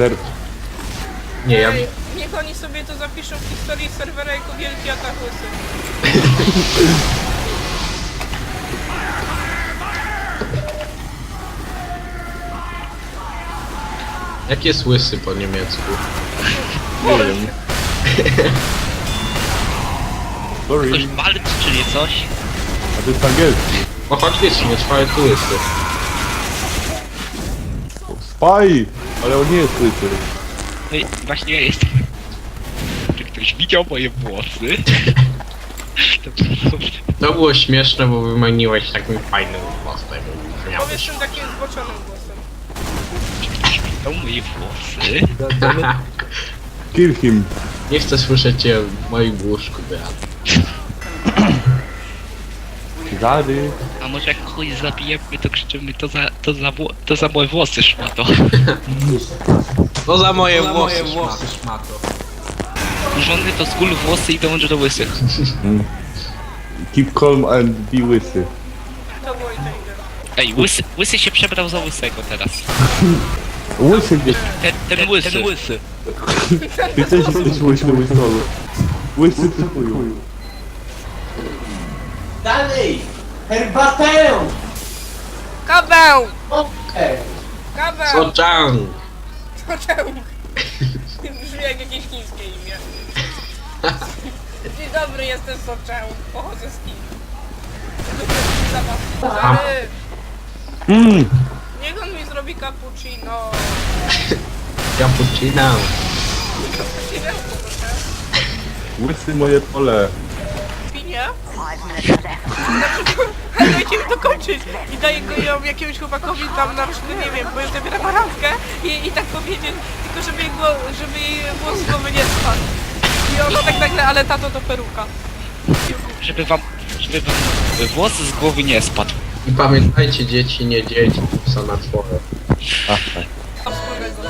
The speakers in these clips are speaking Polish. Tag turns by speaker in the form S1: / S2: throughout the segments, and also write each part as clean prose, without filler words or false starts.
S1: Sercz.
S2: Nie, ja...
S3: Ej, niech oni sobie to zapiszą w historii serwera jako wielki atak łysy.
S2: Jak jest łysy po niemiecku?
S1: Nie wiem. Sorry.
S4: Ktoś walczy, czyli coś?
S1: A to jest angielski.
S2: O, chodź wiecie, nie trwały tu łysy.
S1: Spy! Ale on nie jest łysy.
S4: No i właśnie ja jestem. Czy ktoś widział moje włosy? To
S2: To było śmieszne, bo wymieniłeś takim fajnym głosem.
S3: Powiedz tym takim zboczonym głosem.
S4: widział moje włosy?
S1: Kill him.
S2: Nie chcę słyszeć cię w moim łóżku, Beat.
S1: Zady.
S4: A może jak kogoś zabijemy, to krzyczymy to za moje włosy, szmato.
S2: To za moje włosy, szmato.
S4: Żony to z góry włosy i dąży do łysych.
S1: Keep calm and be łysy.
S3: To było inteligentne.
S4: Ej, łysy się przebrał za łysego teraz.
S1: Łysy gdzieś.
S4: Ten łysy.
S1: Ty też jesteś łysy, łysolu. Łysy ty chuju.
S5: Dalej! Herbatę!
S3: Kabeł!
S5: Okej.
S3: Kabeł!
S2: Soczang!
S3: Soczęł! Brzmi jak jakieś chińskie imię. Dzień dobry, jestem Soczęł. Pochodzę z Chin. Zabawny. Niech on mi zrobi cappuccino.
S2: Cappuccino.
S3: Cappuccino, proszę.
S1: Łysy moje pole.
S3: Pinie? Znaczy, dajcie mi dokończyć i daję go ją jakiemuś chłopakowi tam na przykład, nie wiem, bo już zabieram randkę i tak powiedzieć, tylko żeby jej włos z głowy nie spadł. I ona tak nagle, ale tato to peruka.
S4: Żeby wam włos z głowy nie spadł.
S2: I pamiętajcie, dzieci, nie dzieci, są na twoje.
S3: A wspólnego.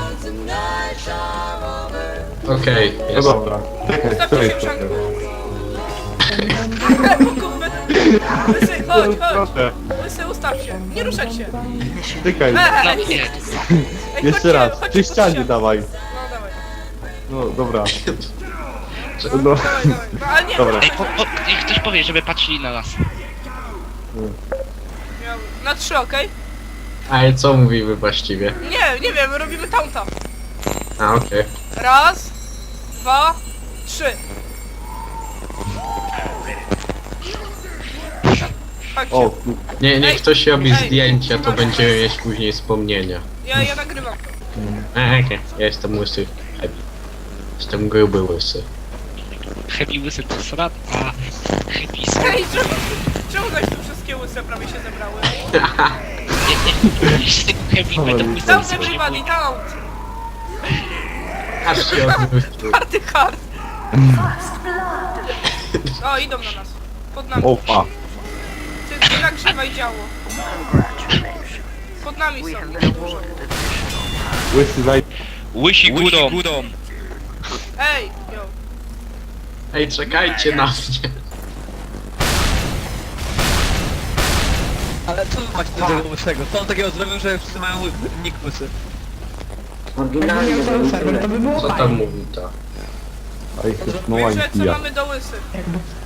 S2: Okej,
S1: No
S2: jest.
S1: dobra. Czekaj,
S3: Ustawcie
S1: czekaj,
S3: się w szanku.
S1: czekaj.
S3: Łysy, chodź, chodź.
S1: Proszę.
S3: Łysy, ustaw się. Nie ruszać się.
S1: Czekaj.
S4: No
S3: Ej,
S4: nie.
S3: ej,
S1: Jeszcze
S3: chodźcie,
S1: raz.
S3: chodźcie,
S1: Przy ścianie
S3: chodźcie.
S1: dawaj.
S3: No dawaj.
S1: No dobra.
S3: No,
S1: No.
S3: dawaj, dawaj. No, ale nie,
S1: Dobra.
S4: Ej, niech ktoś powie, żeby patrzyli na nas.
S3: na 3, okej?
S2: Ale co mówimy właściwie?
S3: Nie wiem, robimy taunta.
S2: A, okej.
S3: Raz, 2, 3. Chodźcie.
S1: O,
S2: Nie, niech ktoś robi
S3: Ej,
S2: zdjęcia, to
S3: masz-
S2: będziemy mieć później wspomnienia.
S3: Ja nagrywam.
S2: Okej. Ja jestem łysy. Happy. Jestem gruby łysy.
S4: Happy łysy to srat, a happy są...
S3: Ej, czemu zaś tu wszystkie łyse prawie się zebrały?
S4: Z tego happy to łysy
S3: Taunt
S4: się nie
S3: everybody,
S4: boją.
S3: taunt!
S2: Aż się odwrócił.
S3: Party hard! O, idą na nas. Pod nami.
S1: opa.
S3: Ty nagrzewaj działo. Pod nami są.
S1: Łysy zaj...
S4: Łysi górą.
S3: Ej, yo.
S2: Ej, czekajcie na mnie.
S6: Ale co wy macie do tego łysego? Co on takiego zrobił, że wszyscy mają nick łysy?
S5: Oryginalnie
S2: Co tam mówi to?
S1: A ich jest
S3: Wiesz,
S1: mała
S3: co
S1: pija.
S3: mamy do łysy?